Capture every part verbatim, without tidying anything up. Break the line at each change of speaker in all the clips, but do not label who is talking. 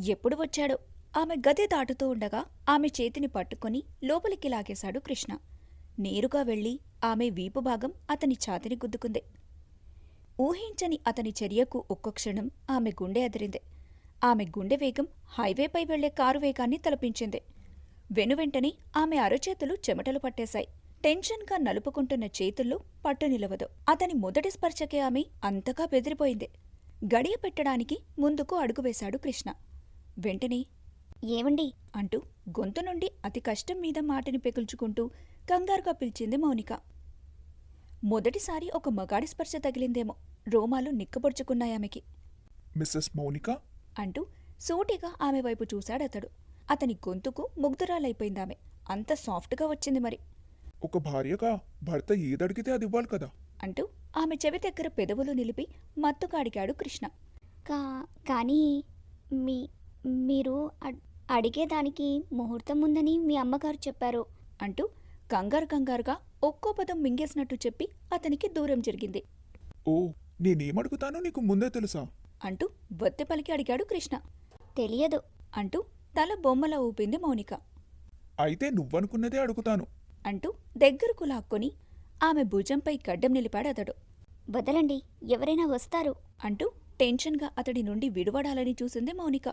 ఎప్పుడు వచ్చాడో? ఆమె గది దాటుతూ ఉండగా ఆమె చేతిని పట్టుకుని లోపలికి లాగేశాడు కృష్ణ. నేరుగా వెళ్ళి ఆమె వీపు భాగం అతని ఛాతిని గుద్దుకుంది. ఊహించని అతని చర్యకు ఒక్క క్షణం ఆమె గుండె అదిరింది. ఆమె గుండె వేగం హైవేపై వెళ్లే కారు వేగాన్ని తలపించింది. వెనువెంటనే ఆమె అరచేతులు చెమటలు పట్టేశాయి. టెన్షన్గా నలుపుకుంటున్న చేతుల్లో పట్టు నిలవదు. అతని మొదటి స్పర్శకే ఆమె అంతగా బెదిరిపోయింది. గడియ పెట్టడానికి ముందుకు అడుగువేశాడు కృష్ణ. వెంటనే
ఏవండి
అంటూ గొంతు నుండి అతి కష్టం మీద మాటని పెకుల్చుకుంటూ కంగారుగా పిలిచింది మౌనిక. మొదటిసారి ఒక మగాడి స్పర్శ తగిలిందేమో. రోమాలు నిక్కబొడుచుకున్నాయామెకి.
మిస్సెస్ మౌనిక
అంటూ సూటిగా ఆమె వైపు చూశాడతడు. అతని గొంతుకు ముగ్ధురాలైపోయిందామె. అంత సాఫ్ట్గా వచ్చింది మరి.
ఒక భార్యగా భర్త ఏదడిగితే అది ఇవ్వాలి కదా.
అంటూ ఆమె చెవి దగ్గర పెదవులు నిలిపి మత్తుగా అడిగాడు కృష్ణ.
కా కానీ మీ మీరు అడ్- అడిగేదానికి ముహూర్తం ఉందని మీ అమ్మగారు చెప్పారు.
అంటూ కంగారు కంగారుగా ఒక్కో పదం మింగేసినట్టు చెప్పి అతనికి దూరం జరిగింది.
ఓ నేనేమడుగుతానో నీకు ముందే తెలుసా?
అంటూ వత్తె పలికి అడిగాడు కృష్ణ.
తెలియదు.
అంటూ తల బొమ్మలా ఊపింది మౌనిక.
అయితే నువ్వనుకున్నదే అడుగుతాను.
అంటూ దగ్గరకు లాక్కొని ఆమె భుజంపై గడ్డం నిలిపాడతడు.
వదలండి, ఎవరైనా వస్తారు.
అంటూ టెన్షన్గా అతడి నుండి విడువడాలని చూసింది మౌనిక.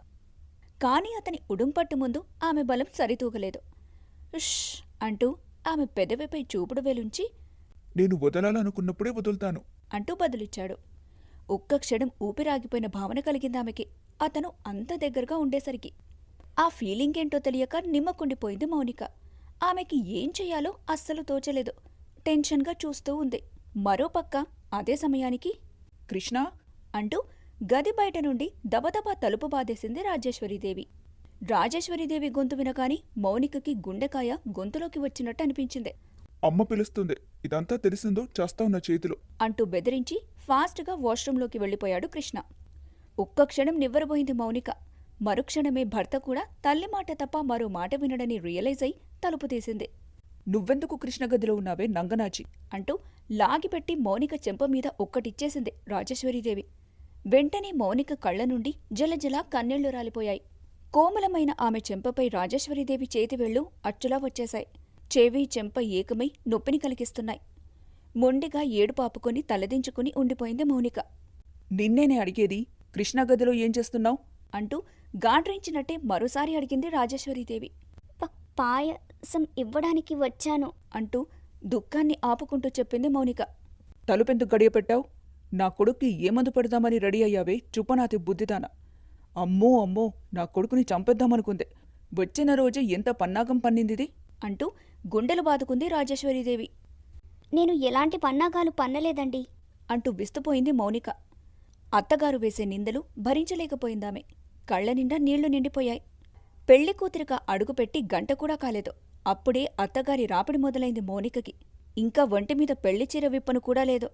కాని అతని ఉడుంపట్టు ముందు ఆమె బలం సరితూగలేదు. ఉష్ అంటూ ఆమె పెదవిపై చూపుడు వేలుంచి
నేను వదలాలనుకున్నప్పుడే వదులుతాను
అంటూ బదులిచ్చాడు. ఒక్క క్షణం ఊపిరాగిపోయిన భావన కలిగిందామెకి అతను అంత దగ్గరగా ఉండేసరికి. ఆ ఫీలింగేంటో తెలియక నిమ్మకుండిపోయింది మౌనిక. ఆమెకి ఏం చెయ్యాలో అస్సలు తోచలేదు. టెన్షన్గా చూస్తూ ఉంది. మరోపక్క అదే సమయానికి కృష్ణ అంటూ గది బయట నుండి దబదబా తలుపు బాధేసింది రాజేశ్వరీదేవి. రాజేశ్వరీదేవి గొంతు వినగాని మౌనికకి గుండెకాయ గొంతులోకి వచ్చినట్టు అనిపించింది.
అమ్మ పిలుస్తుంది, ఇదంతా తెలిసిందో చేస్తావు నా చేతిలో
అంటూ బెదిరించి ఫాస్ట్గా వాష్రూంలోకి వెళ్ళిపోయాడు కృష్ణ. ఒక్క క్షణం నివ్వరబోయింది మౌనిక. మరుక్షణమే భర్త కూడా తల్లి మాట తప్ప మరో మాట వినడని రియలైజ్ అయి తలుపు తీసింది.
నువ్వెందుకు కృష్ణగదిలో ఉన్నావే నంగనాచి?
అంటూ లాగిపెట్టి మౌనిక చెంప మీద ఒక్కటిచ్చేసింది రాజేశ్వరీదేవి. వెంటనే మౌనిక కళ్ల నుండి జలజల కన్నీళ్లు రాలిపోయాయి. కోమలమైన ఆమె చెంపపై రాజేశ్వరీదేవి చేతివేళ్లు అచ్చులా వచ్చేశాయి. చెవి చెంప ఏకమై నొప్పిని కలిగిస్తున్నాయి. మొండిగా ఏడుపాపుకొని తలదించుకుని ఉండిపోయింది మౌనిక.
నిన్నేనే అడిగేది, కృష్ణగదిలో ఏం చేస్తున్నావు?
అంటూ గాడ్రించినట్టే మరోసారి అడిగింది రాజేశ్వరీదేవి.
ప- పాయసం ఇవ్వడానికి వచ్చాను.
అంటూ దుఃఖాన్ని ఆపుకుంటూ చెప్పింది మౌనిక.
తలుపెందుకు గడియపెట్టావు? నా కొడుక్కి ఏమందు పెడదామని రెడీ అయ్యావే చుప్పనాతి బుద్ధిదాన. అమ్మో అమ్మో, నా కొడుకుని చంపేద్దామనుకుందే. వచ్చిన రోజే ఎంత పన్నాగం పన్నిందిది?
అంటూ గుండెలు బాదుకుంది రాజేశ్వరీదేవి.
నేను ఎలాంటి పన్నాగాలు పన్నలేదండి.
అంటూ విస్తుపోయింది మౌనిక. అత్తగారు వేసే నిందలు భరించలేకపోయిందామె. కళ్ల నిండా నీళ్లు నిండిపోయాయి. పెళ్లి కూతురిగా అడుగుపెట్టి గంట కూడా కాలేదు. అప్పుడే అత్తగారి రాపిడి మొదలైంది మౌనికకి. ఇంకా ఒంటిమీద పెళ్లి చీర విప్పను కూడా లేదు.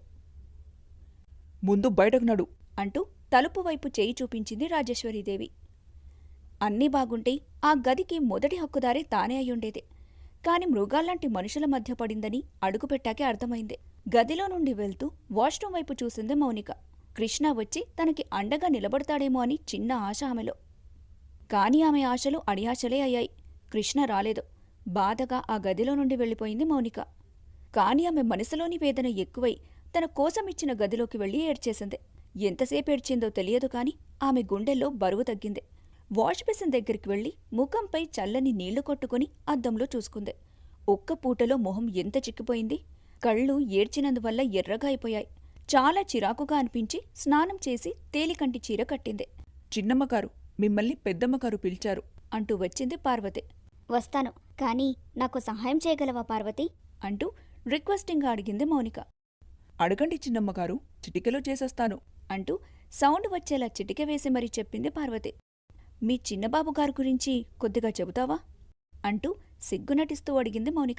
ముందు బయటకు నడు.
అంటూ తలుపు వైపు చేయి చూపించింది రాజేశ్వరీదేవి. అన్నీ బాగుంటే ఆ గదికి మొదటి హక్కుదారి తానే అయ్యుండేది. కాని మృగాల్లాంటి మనుషుల మధ్య పడిందని అడుగుపెట్టాకే అర్థమైంది. గదిలో నుండి వెళ్తూ వాష్రూం వైపు చూసింది మౌనిక. కృష్ణ వచ్చి తనకి అండగా నిలబడతాడేమో అని చిన్న ఆశ ఆమెలో. కాని ఆమె ఆశలు అడియాశలే అయ్యాయి. కృష్ణ రాలేదు. బాధగా ఆ గదిలో నుండి వెళ్ళిపోయింది మౌనిక. కాని ఆమె మనసులోని వేదన ఎక్కువై తన కోసమిచ్చిన గదిలోకి వెళ్లి ఏడ్చేసింది. ఎంతసేపు ఏడ్చిందో తెలియదు కాని ఆమె గుండెల్లో బరువు తగ్గింది. వాష్ బేసిన్ దగ్గరికి వెళ్లి ముఖంపై చల్లని నీళ్లు కొట్టుకుని అద్దంలో చూసుకుంది. ఒక్క పూటలో మొహం ఎంత చిక్కిపోయింది. కళ్ళు ఏడ్చినందువల్ల ఎర్రగా అయిపోయాయి. చాలా చిరాకుగా అనిపించి స్నానం చేసి తేలికంటి చీర కట్టింది.
చిన్నమ్మగారు, మిమ్మల్ని పెద్దమ్మగారు పిలిచారు.
అంటూ వచ్చింది పార్వతి.
వస్తాను, కానీ నాకు సహాయం చేయగలవా పార్వతి?
అంటూ రిక్వెస్టింగ్గా అడిగింది మౌనిక.
అడగండి చిన్నమ్మగారు, చిటికెలో చేసేస్తాను.
అంటూ సౌండ్ వచ్చేలా చిటిక వేసి మరీ చెప్పింది పార్వతి. మీ చిన్నబాబుగారు గురించి కొద్దిగా చెబుతావా? అంటూ సిగ్గునటిస్తూ అడిగింది మౌనిక.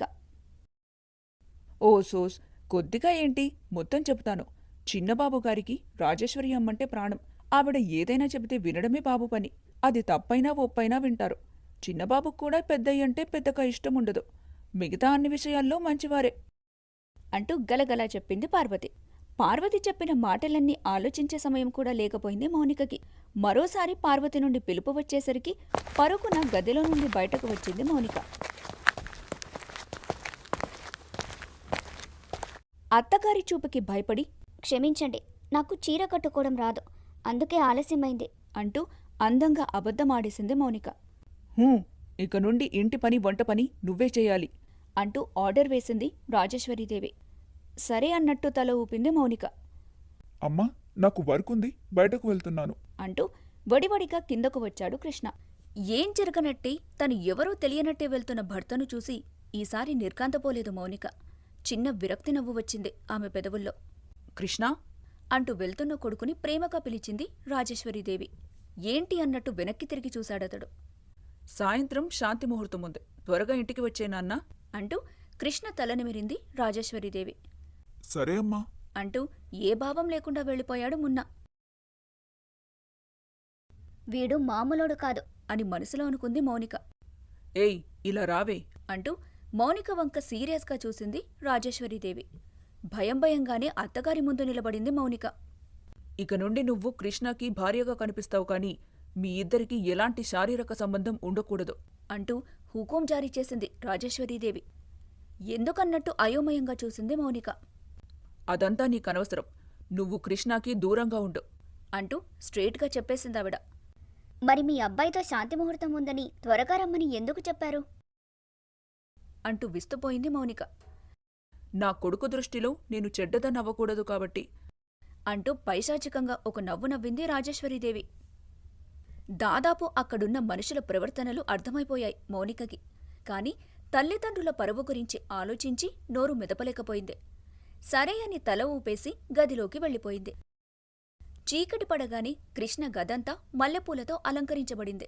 ఓ సోస్, కొద్దిగా ఏంటి, మొత్తం చెబుతాను. చిన్నబాబుగారికి రాజేశ్వరి అమ్మంటే ప్రాణం. ఆవిడ ఏదైనా చెబితే వినడమే బాబు పని. అది తప్పైనా ఒప్పైనా వింటారు. చిన్నబాబుకు కూడా పెద్దయ్యంటే పెద్దగా ఇష్టముండదు. మిగతా అన్ని విషయాల్లో మంచివారే.
అంటూ గలగలా చెప్పింది పార్వతి. పార్వతి చెప్పిన మాటలన్నీ ఆలోచించే సమయం కూడా లేకపోయింది మౌనికకి. మరోసారి పార్వతి నుండి పిలుపు వచ్చేసరికి పరుగున గదిలో నుండి బయటకు వచ్చింది మౌనిక. అత్తగారి చూపుకి భయపడి
క్షమించండి, నాకు చీర కట్టుకోవడం రాదు, అందుకే ఆలస్యమైంది
అంటూ అందంగా అబద్ధమాడేసింది మౌనిక.
హూ ఇక నుండి ఇంటి పని వంట పని నువ్వే చేయాలి
అంటూ ఆర్డర్ వేసింది రాజేశ్వరీదేవి. సరే అన్నట్టు తల ఊపింది మౌనిక.
అమ్మా, నాకు వర్క్ ఉంది, బయటకు వెళ్తున్నాను.
అంటూ వడివడిగా కిందకు వచ్చాడు కృష్ణ. ఏం జరగనట్టే తను ఎవరో తెలియనట్టే వెళ్తున్న భర్తను చూసి ఈసారి నిర్కాంతపోలేదు మౌనిక. చిన్న విరక్తి నవ్వు వచ్చింది ఆమె పెదవుల్లో.
కృష్ణా
అంటూ వెళ్తున్న కొడుకుని ప్రేమగా పిలిచింది రాజేశ్వరీదేవి. ఏంటి అన్నట్టు వెనక్కి తిరిగి చూశాడతడు.
సాయంత్రం శాంతి ముహూర్తం ఉంది, త్వరగా ఇంటికి వచ్చే నాన్నా
అంటూ కృష్ణ తలనిమిరింది రాజేశ్వరీదేవి.
సరే అమ్మా.
అంటూ ఏ భావం లేకుండా వెళ్ళిపోయాడు మున్నా.
వీడు మామూలోడు కాదు
అని మనసులో అనుకుంది మౌనిక.
ఏయ్ ఇలా రావే
అంటూ మౌనిక వంక సీరియస్గా చూసింది రాజేశ్వరీదేవి. భయం భయంగానే అత్తగారి ముందు నిలబడింది మౌనిక.
ఇక నుండి నువ్వు కృష్ణకి భార్యగా కనిపిస్తావు కాని మీ ఇద్దరికీ ఎలాంటి శారీరక సంబంధం ఉండకూడదు
అంటూ హుకుం జారీ చేసింది రాజేశ్వరీదేవి. ఎందుకన్నట్టు అయోమయంగా చూసింది మౌనిక.
అదంతా నీకనవసరం, నువ్వు కృష్ణకి దూరంగా ఉండు
అంటూ స్ట్రేట్గా చెప్పేసిందావిడ.
మరి మీ అబ్బాయితో శాంతి ముహూర్తం ఉందని త్వరగా రమ్మని ఎందుకు చెప్పారు?
అంటూ విస్తుపోయింది మౌనిక.
నా కొడుకు దృష్టిలో నేను చెడ్డదనవ్వకూడదు కాబట్టి
అంటూ పైశాచికంగా ఒక నవ్వు నవ్వింది రాజేశ్వరీదేవి. దాదాపు అక్కడున్న మనుషుల ప్రవర్తనలు అర్థమైపోయాయి మౌనికకి. కాని తల్లిదండ్రుల పరువు గురించి ఆలోచించి నోరు మెదపలేకపోయింది. సరే అని తల ఊపేసి గదిలోకి వెళ్ళిపోయింది. చీకటి పడగానే కృష్ణ గదంతా మల్లెపూలతో అలంకరించబడింది.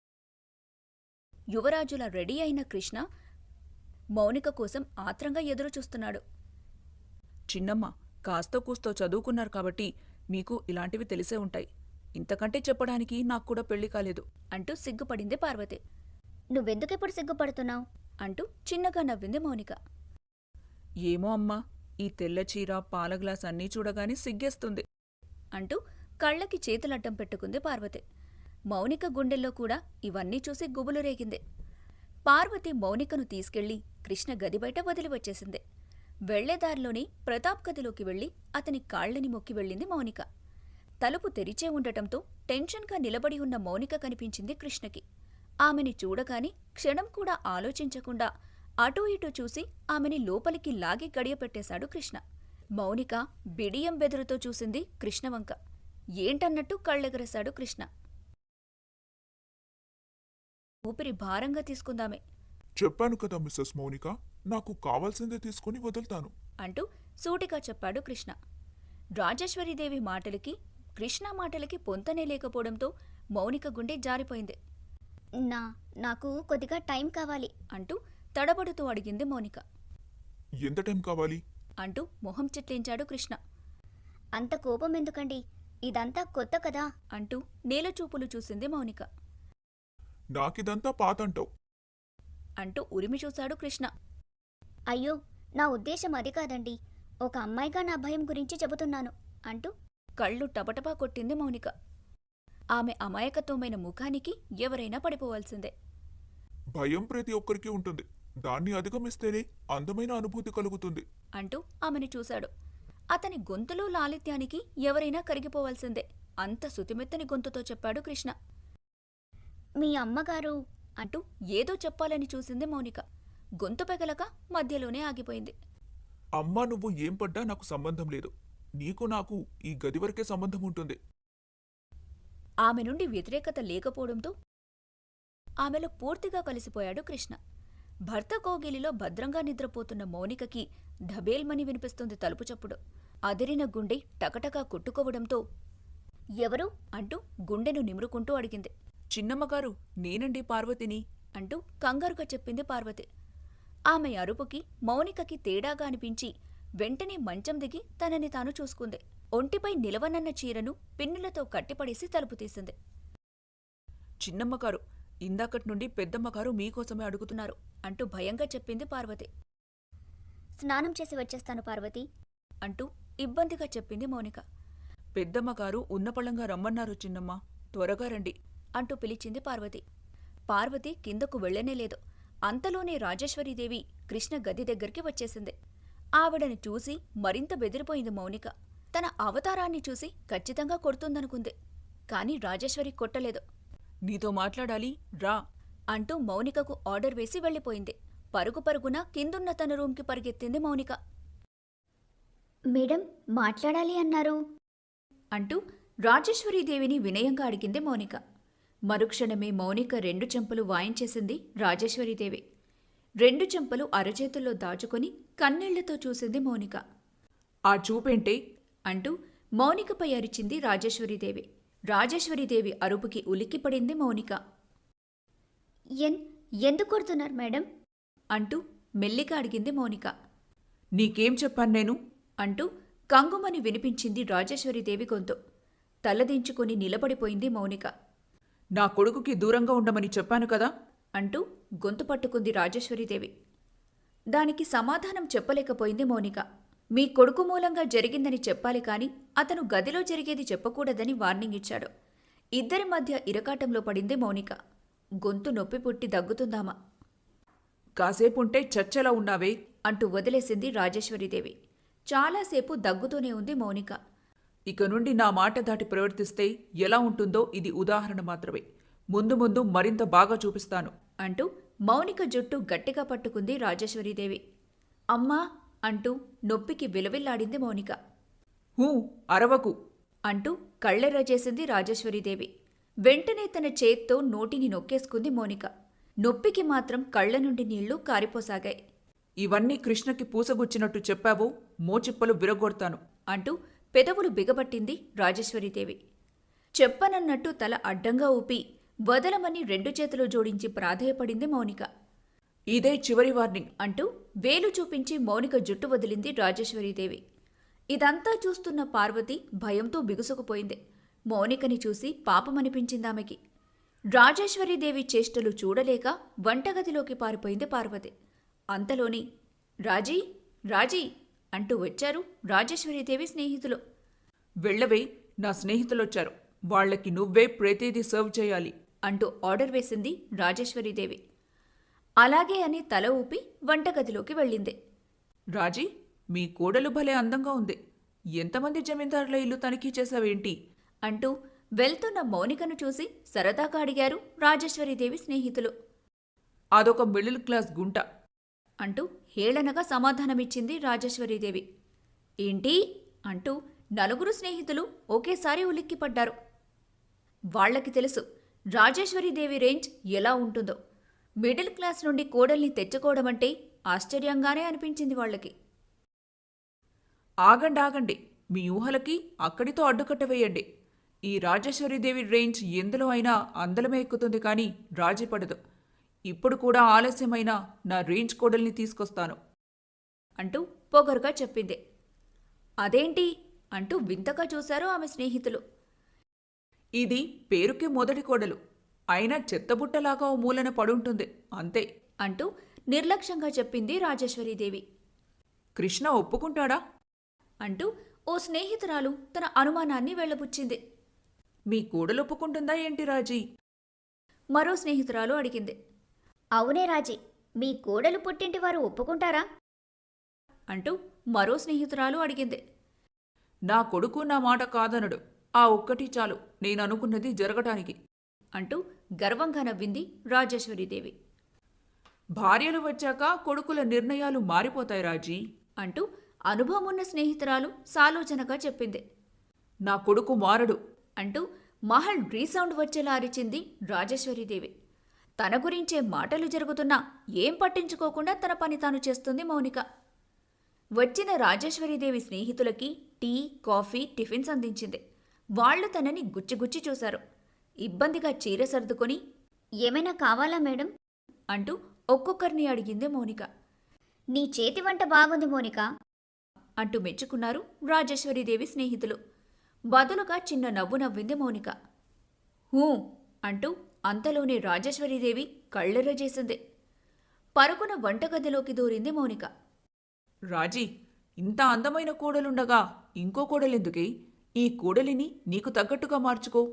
యువరాజులా రెడీ అయిన కృష్ణ మౌనిక కోసం ఆత్రంగా ఎదురుచూస్తున్నాడు.
చిన్నమ్మ కాస్తో కూస్తో చదువుకున్నారు కాబట్టి మీకు ఇలాంటివి తెలిసే ఉంటాయి. ఇంతకంటే చెప్పడానికి నాకు కూడా పెళ్లి కాలేదు
అంటూ సిగ్గుపడింది పార్వతి.
నువ్వెందుకెప్పుడు సిగ్గుపడుతున్నావు?
అంటూ చిన్నగా నవ్వింది మౌనిక.
ఏమో అమ్మా, ఈ తెల్ల చీర పాల గ్లాస్ అన్నీ చూడగానే సిగ్గేస్తుంది
అంటూ కళ్ళకి చేతులడ్డం పెట్టుకుంది పార్వతి. మౌనిక గుండెల్లో కూడా ఇవన్నీ చూసి గుబులు రేగింది. పార్వతి మౌనికను తీసుకెళ్లి కృష్ణ గది బయట వదిలి వచ్చేసింది. వెళ్లేదారిలోని ప్రతాప్ గదిలోకి వెళ్లి అతని కాళ్లని మొక్కి వెళ్ళింది మౌనిక. తలుపు తెరిచే ఉండటంతో టెన్షన్గా నిలబడి ఉన్న మౌనిక కనిపించింది కృష్ణకి. ఆమెని చూడగాని క్షణం కూడా ఆలోచించకుండా అటూ ఇటూ చూసి ఆమెని లోపలికి లాగి గడియపెట్టేశాడు కృష్ణ. మౌనిక బిడియం బెదురుతో చూసింది కృష్ణవంక. ఏంటన్నట్టు కళ్ళెగరేశాడు కృష్ణ. ఊపిరి భారంగా తీసుకుందామే
చెప్పాను కదా మిస్సెస్ మౌనిక, నాకు కావాల్సిందే తీసుకుని వదులుతాను
అంటూ సూటిగా చెప్పాడు కృష్ణ. రాజేశ్వరీదేవి మాటలకి కృష్ణ మాటలకి పొంతనే లేకపోవడంతో మౌనిక గుండె జారిపోయింది.
నా నాకు కొద్దిగా టైం కావాలి
అంటూ తడబడుతూ అడిగింది మౌనిక.
ఎంత టైం కావాలి?
అంటూ మొహం చిట్లించాడు కృష్ణ.
అంత కోపం ఎందుకండి, ఇదంతా కొత్త కదా
అంటూ నేలచూపులు చూసింది మౌనిక.
నాకిదంతా పాతంటావు
అంటూ ఉరిమి చూశాడు కృష్ణ.
అయ్యో, నా ఉద్దేశం అది కాదండి, ఒక అమ్మాయిగా నా భయం గురించి చెబుతున్నాను అంటూ
కళ్ళు టపటపా కొట్టింది మౌనిక. ఆమె అమాయకత్వమైన ముఖానికి ఎవరైనా పడిపోవాల్సిందే.
భయం ప్రతి ఒక్కరికి ఉంటుంది, దాన్ని అధిగమిస్తేనే అందమైన అనుభూతి కలుగుతుంది
అంటూ ఆమెను చూశాడు. అతని గొంతులో లాలిత్యానికి ఎవరైనా కరిగిపోవాల్సిందే. అంత సుతిమెత్తని గొంతుతో చెప్పాడు కృష్ణ.
మీ అమ్మగారు
అంటూ ఏదో చెప్పాలని చూసింది మౌనిక. గొంతు పెగలక మధ్యలోనే ఆగిపోయింది.
అమ్మా, నువ్వు ఏం పడ్డా నాకు సంబంధం లేదు. నీకు నాకు ఈ గది వరకే సంబంధం ఉంటుంది.
ఆమె నుండి వ్యతిరేకత లేకపోవడంతో ఆమెలో పూర్తిగా కలిసిపోయాడు కృష్ణ. భర్త కోగిలిలో భద్రంగా నిద్రపోతున్న మౌనికకి ఢబేల్మని వినిపిస్తుంది తలుపు చప్పుడు. అదిరిన గుండె టకటకా కొట్టుకోవడంతో
ఎవరు
అంటూ గుండెను నిమురుకుంటూ అడిగింది.
చిన్నమ్మగారు, నేనండి పార్వతిని
అంటూ కంగారుగా చెప్పింది పార్వతి. ఆమె అరుపుకి మౌనికకి తేడాగా అనిపించి వెంటనే మంచం దిగి తనని తాను చూసుకుంది. ఒంటిపై నిలవనన్న చీరను పిన్నులతో కట్టిపడేసి తలుపు తీసింది.
చిన్నమ్మగారు, ఇందాకటి నుండి పెద్దమ్మగారు మీకోసమే అడుగుతున్నారు
అంటూ భయంగా చెప్పింది పార్వతి.
స్నానం చేసి వచ్చేస్తాను పార్వతి
అంటూ ఇబ్బందిగా చెప్పింది మౌనిక.
పెద్దమ్మగారు ఉన్నపళంగా రమ్మన్నారు చిన్నమ్మ
త్వరగా రండి
అంటూ పిలిచింది పార్వతి. పార్వతి కిందకు వెళ్ళనేలేదు. అంతలోనే రాజేశ్వరీదేవి కృష్ణ గది దగ్గరికి వచ్చేసింది. ఆవిడని చూసి మరింత బెదిరిపోయింది మౌనిక. తన అవతారాన్ని చూసి ఖచ్చితంగా కొడుతుందనుకుంది. కాని రాజేశ్వరి కొట్టలేదు.
నీతో మాట్లాడాలి, రా
అంటూ మౌనికకు ఆర్డర్ వేసి వెళ్ళిపోయింది. పరుగు పరుగున కిందున్న తన రూంకి పరిగెత్తింది మౌనిక.
మేడం మాట్లాడాలి అన్నారు.
అంటూ రాజేశ్వరీదేవిని వినయంగా అడిగింది మౌనిక. మరుక్షణమే మౌనిక రెండు చెంపలు వాయించేసింది రాజేశ్వరీదేవి. రెండు చెంపలు అరచేతుల్లో దాచుకొని కన్నీళ్లతో చూసింది మౌనిక.
ఆ చూపేంటే
అంటూ మౌనికపై అరిచింది రాజేశ్వరీదేవి. రాజేశ్వరీదేవి అరుపుకి ఉలిక్కిపడింది మౌనిక.
ఎన్ ఎందుకు కొడుతున్నారు మేడం?
అంటూ మెల్లిగా అడిగింది మౌనిక.
నీకేం చెప్పాను నేను?
అంటూ కంగుమని వినిపించింది రాజేశ్వరీదేవి గొంతు. తలదించుకుని నిలబడిపోయింది మౌనిక.
నా కొడుకుకి దూరంగా ఉండమని చెప్పాను కదా
అంటూ గొంతు పట్టుకుంది రాజేశ్వరీదేవి. దానికి సమాధానం చెప్పలేకపోయింది మౌనిక. మీ కొడుకు మూలంగా జరిగిందని చెప్పాలి కాని అతను గదిలో జరిగేది చెప్పకూడదని వార్నింగ్ ఇచ్చాడు. ఇద్దరి మధ్య ఇరకాటంలో పడింది మౌనిక. గొంతు నొప్పి పుట్టి దగ్గుతుందామా.
కాసేపుంటే చచ్చెలా ఉన్నావే
అంటూ వదిలేసింది రాజేశ్వరీదేవి. చాలాసేపు దగ్గుతూనే ఉంది మౌనిక.
ఇక నుండి నా మాట దాటి ప్రవర్తిస్తే ఎలా ఉంటుందో ఇది ఉదాహరణ మాత్రమే. ముందు ముందు మరింత బాగా చూపిస్తాను
అంటూ మౌనిక జుట్టు గట్టిగా పట్టుకుంది రాజేశ్వరీదేవి. అమ్మా అంటూ నొప్పికి విలవిల్లాడింది మౌనిక.
హూ అరవకు
అంటూ కళ్ళెర్ర చేసింది రాజేశ్వరీదేవి. వెంటనే తన చేత్తో నోటిని నొక్కేసుకుంది మౌనిక. నొప్పికి మాత్రం కళ్ల నుండి నీళ్లు కారిపోసాగాయి.
ఇవన్నీ కృష్ణకి పూసగుచ్చినట్టు చెప్పావో మోచిప్పలు విరగొడతాను
అంటూ పెదవులు బిగబట్టింది రాజేశ్వరీదేవి. చెప్పనన్నట్టు తల అడ్డంగా ఊపి వదలమని రెండు చేతులు జోడించి ప్రాధేయపడింది మౌనిక.
ఇదే చివరి వార్నింగ్
అంటూ వేలు చూపించి మౌనిక జుట్టు వదిలింది రాజేశ్వరీదేవి. ఇదంతా చూస్తున్న పార్వతి భయంతో బిగుసుకుపోయింది. మౌనికని చూసి పాపమనిపించిందామెకి. రాజేశ్వరీదేవి చేష్టలు చూడలేక వంటగదిలోకి పారిపోయింది పార్వతి. అంతలోని రాజీ రాజీ అంటూ వచ్చారు రాజేశ్వరీదేవి స్నేహితులు.
వెళ్ళవే, నా స్నేహితులొచ్చారు, వాళ్లకి నువ్వే ప్రతిదీ సర్వ్ చేయాలి
అంటూ ఆర్డర్ వేసింది రాజేశ్వరీదేవి. అలాగే అని తల ఊపి వంటగదిలోకి వెళ్ళింది.
రాజీ, మీ కోడలు భలే అందంగా ఉంది. ఎంతమంది జమీందారుల ఇల్లు తనిఖీ చేశావేంటి
అంటూ వెళ్తున్న మౌనికను చూసి సరదాగా అడిగారు రాజేశ్వరీదేవి స్నేహితులు.
అదొక మిడిల్ క్లాస్ గుంట
అంటూ హేళనగా సమాధానమిచ్చింది రాజేశ్వరీదేవి. ఏంటి అంటూ నలుగురు స్నేహితులు ఒకేసారి ఉలిక్కిపడ్డారు. వాళ్లకి తెలుసు రాజేశ్వరీదేవి రేంజ్ ఎలా ఉంటుందో. మిడిల్ క్లాస్ నుండి కోడల్ని తెచ్చుకోవడమంటే ఆశ్చర్యంగానే అనిపించింది వాళ్లకి.
ఆగండి ఆగండి, మీ ఊహలకి అక్కడితో అడ్డుకట్ట వేయండి. ఈ రాజేశ్వరీదేవి రేంజ్ ఎందులో అయినా అందలమే ఎక్కుతుంది కానీ రాజీ పడదు. ఇప్పుడు కూడా ఆలస్యమైనా నా రేంజ్ కోడల్ని తీసుకొస్తాను
అంటూ పొగరుగా చెప్పింది. అదేంటి అంటూ వింతగా చూశారు ఆమె స్నేహితులు.
ఇది పేరుకే మొదటి కోడలు, అయినా చెత్తబుట్టలాగా ఓ మూలన పడుంటుంది అంతే
అంటూ నిర్లక్ష్యంగా చెప్పింది రాజేశ్వరీదేవి.
కృష్ణ ఒప్పుకుంటాడా
అంటూ ఓ స్నేహితురాలు తన అనుమానాన్ని వెళ్లబుచ్చింది.
మీ కోడలు ఒప్పుకుంటుందా ఏంటి రాజీ
మరో స్నేహితురాలు అడిగింది.
అవునే రాజీ, మీ కోడలు పుట్టింటి వారు ఒప్పుకుంటారా?
అంటూ మరో స్నేహితురాలు అడిగింది.
నా కొడుకు నా మాట కాదనడు, ఆ ఒక్కటి చాలు నేననుకున్నది జరగటానికి
అంటూ గర్వంగా నవ్వింది రాజేశ్వరీదేవి.
భార్యలు వచ్చాక కొడుకుల నిర్ణయాలు మారిపోతాయి రాజీ
అంటూ అనుభవమున్న స్నేహితురాలు సాలోచనగా చెప్పింది.
నా కొడుకు మారడు
అంటూ మహల్ రీసౌండ్ వచ్చేలా అరిచింది రాజేశ్వరీదేవి. తన గురించే మాటలు జరుగుతున్నా ఏం పట్టించుకోకుండా తన పని తాను చేస్తుంది మౌనిక. వచ్చిన రాజేశ్వరీదేవి స్నేహితులకి టీ, కాఫీ, టిఫిన్స్ అందించింది. వాళ్లు తనని గుచ్చిగుచ్చి చూశారు. ఇబ్బందిగా చీర సర్దుకొని
ఏమైనా కావాలా మేడం
అంటూ ఒక్కొక్కరిని అడిగింది మౌనిక.
నీ చేతి వంట బాగుంది మోనిక
అంటూ మెచ్చుకున్నారు రాజేశ్వరీదేవి స్నేహితులు. బదులుగా చిన్న నవ్వు నవ్వింది మౌనిక. హూ అంటూ అంతలోనే రాజేశ్వరీదేవి కళ్ళెర్ర చేసింది. పరుగున వంటగదిలోకి దూరింది మౌనిక.
రాజీ, ఇంత అందమైన కోడలుండగా ఇంకో కోడలెందుకే? ఈ కోడలిని నీకు తగ్గట్టుగా మార్చుకో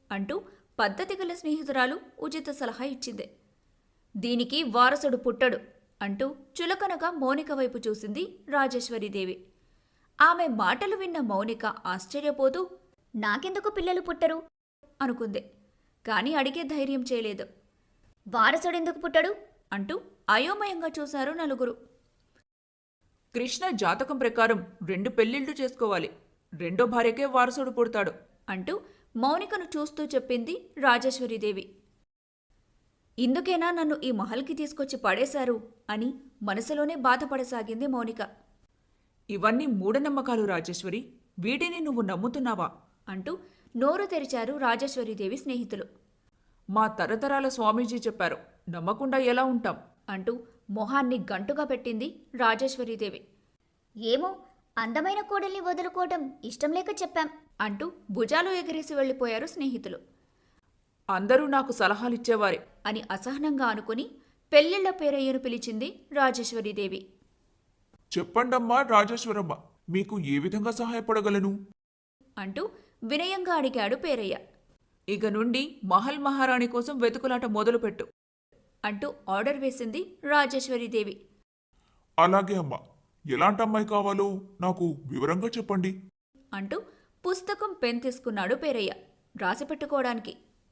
అంటూ పద్ధతి గల స్నేహితురాలు ఉచిత సలహా ఇచ్చింది. దీనికి వారసుడు పుట్టడు అంటూ చులకనగా మౌనిక వైపు చూసింది రాజేశ్వరీదేవి. ఆమె మాటలు విన్న మౌనిక ఆశ్చర్యపోతూ
నాకెందుకు పిల్లలు పుట్టరు?
అనుకుంది. కాని అడిగే ధైర్యం చేయలేదు.
వారసుడెందుకు పుట్టడు?
అంటూ అయోమయంగా చూశారు నలుగురు.
కృష్ణ జాతకం ప్రకారం రెండు పెళ్లిళ్లు చేసుకోవాలి. రెండో భార్యకే వారసుడు పుడతాడు
అంటూ మౌనికను చూస్తూ చెప్పింది రాజేశ్వరీదేవి. ఇందుకేనా నన్ను ఈ మహల్కి తీసుకొచ్చి పడేశారు అని మనసులోనే బాధపడసాగింది మౌనిక.
ఇవన్నీ మూఢనమ్మకాలు రాజేశ్వరి. వీటిని నువ్వు నమ్ముతున్నావా?
అంటూ నోరు తెరిచారు రాజేశ్వరీదేవి స్నేహితులు.
మా తరతరాల స్వామీజీ చెప్పారు, నమ్మకుండా ఎలా ఉంటాం
అంటూ మొహాన్ని గంటుగా పెట్టింది రాజేశ్వరీదేవి.
ఏమో, అందమైన కోడల్ని వదులుకోవటం ఇష్టం లేక చెప్పాం
అంటూ భుజాలు ఎగిరేసి వెళ్ళిపోయారు స్నేహితులు.
అందరూ నాకు సలహాలిచ్చేవారే
అని అసహనంగా అనుకుని పెళ్లిళ్ల పేరయ్యను పిలిచింది రాజేశ్వరీదేవి.
చెప్పండమ్మా రాజేశ్వరమ్మ, మీకు ఏ విధంగా సహాయపడగలను?
అంటూ వినయంగా అడిగాడు పేరయ్య.
ఇక నుండి మహల్ మహారాణి కోసం వెతుకులాట మొదలుపెట్టు
అంటూ ఆర్డర్ వేసింది రాజేశ్వరీదేవి.
అలాగే అమ్మా, ఎలాంటి అమ్మాయి కావాలో నాకు వివరంగా చెప్పండి
అంటూ పుస్తకం పెన్ తీసుకున్నాడు పేరయ్య రాసి పెట్టుకోవడానికి.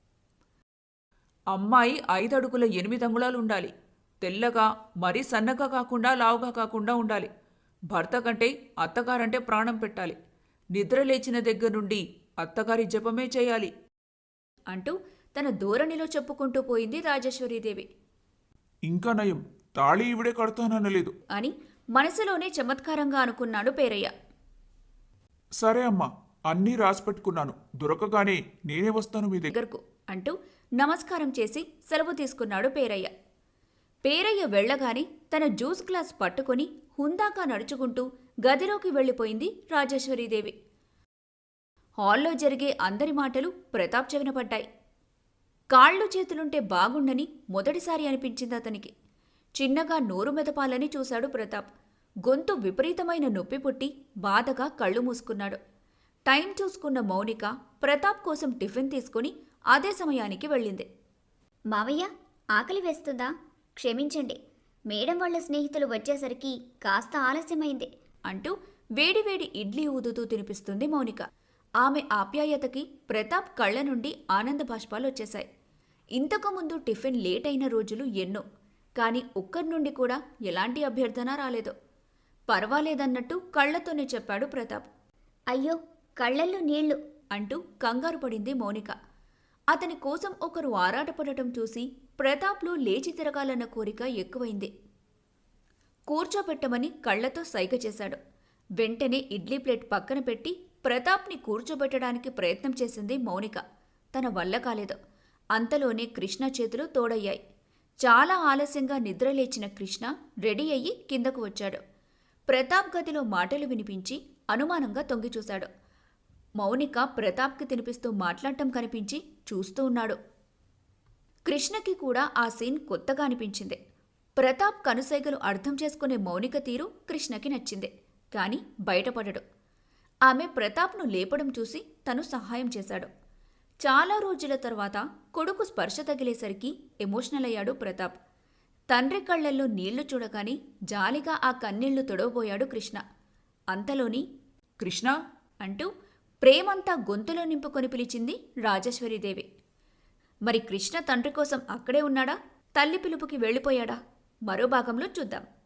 అమ్మాయి ఐదడుగుల ఎనిమిది అంగుళాలు ఉండాలి. తెల్లగా, మరీ సన్నగా కాకుండా లావుగా కాకుండా ఉండాలి. భర్త కంటే అత్తగారంటే ప్రాణం పెట్టాలి. నిద్ర లేచిన దగ్గర నుండి అత్తగారి జపమే చేయాలి
అంటూ తన ధోరణిలో చెప్పుకుంటూ పోయింది రాజేశ్వరీదేవి.
ఇంకా నయం, తాళి ఈవిడే కడతాననలేదు
అని మనసులోనే చమత్కారంగా అనుకున్నాడు పేరయ్య.
సరే అమ్మా, అన్నీ రాసిపెట్టుకున్నాను. దొరకగానే నేనే వస్తాను మీ దగ్గర
దగ్గరకు అంటూ నమస్కారం చేసి సెలవు తీసుకున్నాడు పేరయ్య. పేరయ్య వెళ్ళగానే తన జ్యూస్ గ్లాస్ పట్టుకుని హుందాగా నడుచుకుంటూ గదిలోకి వెళ్ళిపోయింది రాజేశ్వరీదేవి. హాల్లో జరిగే అందరి మాటలు ప్రతాప్ చెవిన పడ్డాయి. కాళ్ళు చేతులుంటే బాగుండని మొదటిసారి అనిపించింది అతనికి. చిన్నగా నోరు మెదపాలని చూశాడు ప్రతాప్. గొంతు విపరీతమైన నొప్పి పుట్టి బాధగా కళ్ళు మూసుకున్నాడు. టైం చూసుకున్న మౌనిక ప్రతాప్ కోసం టిఫిన్ తీసుకుని అదే సమయానికి వెళ్ళింది.
మావయ్య, ఆకలి వేస్తుందా? క్షమించండి, మేడం వాళ్ళ స్నేహితులు వచ్చేసరికి కాస్త ఆలస్యమైంది
అంటూ వేడివేడి ఇడ్లీ ఊదుతూ తినిపిస్తుంది మౌనిక. ఆమె ఆప్యాయతకి ప్రతాప్ కళ్ళ నుండి ఆనంద బాష్పాలు వచ్చేశాయి. ఇంతకుముందు టిఫిన్ లేట్ అయిన రోజులు ఎన్నో, కాని ఒక్కరి నుండి కూడా ఎలాంటి అభ్యర్థన రాలేదు. పర్వాలేదన్నట్టు కళ్లతోనే చెప్పాడు ప్రతాప్.
అయ్యో, కళ్ళల్లో నీళ్లు
అంటూ కంగారు పడింది మౌనిక. అతని కోసం ఒకరు ఆరాటపడటం చూసి ప్రతాప్లో లేచి తిరగాలన్న కోరిక ఎక్కువైంది. కూర్చోబెట్టమని కళ్లతో సైగ చేశాడు. వెంటనే ఇడ్లీ ప్లేట్ పక్కన పెట్టి ప్రతాప్ని కూర్చోబెట్టడానికి ప్రయత్నం చేసింది మౌనిక. తన వల్ల కాలేదు. అంతలోనే కృష్ణ చేతులు తోడయ్యాయి. చాలా ఆలస్యంగా నిద్రలేచిన కృష్ణ రెడీ అయ్యి కిందకు వచ్చాడు. ప్రతాప్ గదిలో మాటలు వినిపించి అనుమానంగా తొంగిచూశాడు. మౌనిక ప్రతాప్కి తినిపిస్తూ మాట్లాడటం కనిపించి చూస్తూ ఉన్నాడు. కృష్ణకి కూడా ఆ సీన్ కొత్తగా అనిపించింది. ప్రతాప్ కనుసైగలు అర్థం చేసుకునే మౌనిక తీరు కృష్ణకి నచ్చింది. కాని బయటపడడు. ఆమె ప్రతాప్ను లేపడం చూసి తను సహాయం చేశాడు. చాలా రోజుల తర్వాత కొడుకు స్పర్శ తగిలేసరికి ఎమోషనల్ అయ్యాడు ప్రతాప్. తండ్రి కళ్లల్లో నీళ్లు చూడగానే జాలిగా ఆ కన్నీళ్లు తొడవబోయాడు కృష్ణ. అంతలోని
కృష్ణ
అంటూ ప్రేమంతా గొంతులో నింపుకొని పిలిచింది రాజేశ్వరీదేవి. మరి కృష్ణ తండ్రి కోసం అక్కడే ఉన్నాడా, తల్లి పిలుపుకి వెళ్ళిపోయాడా? మరో భాగంలో చూద్దాం.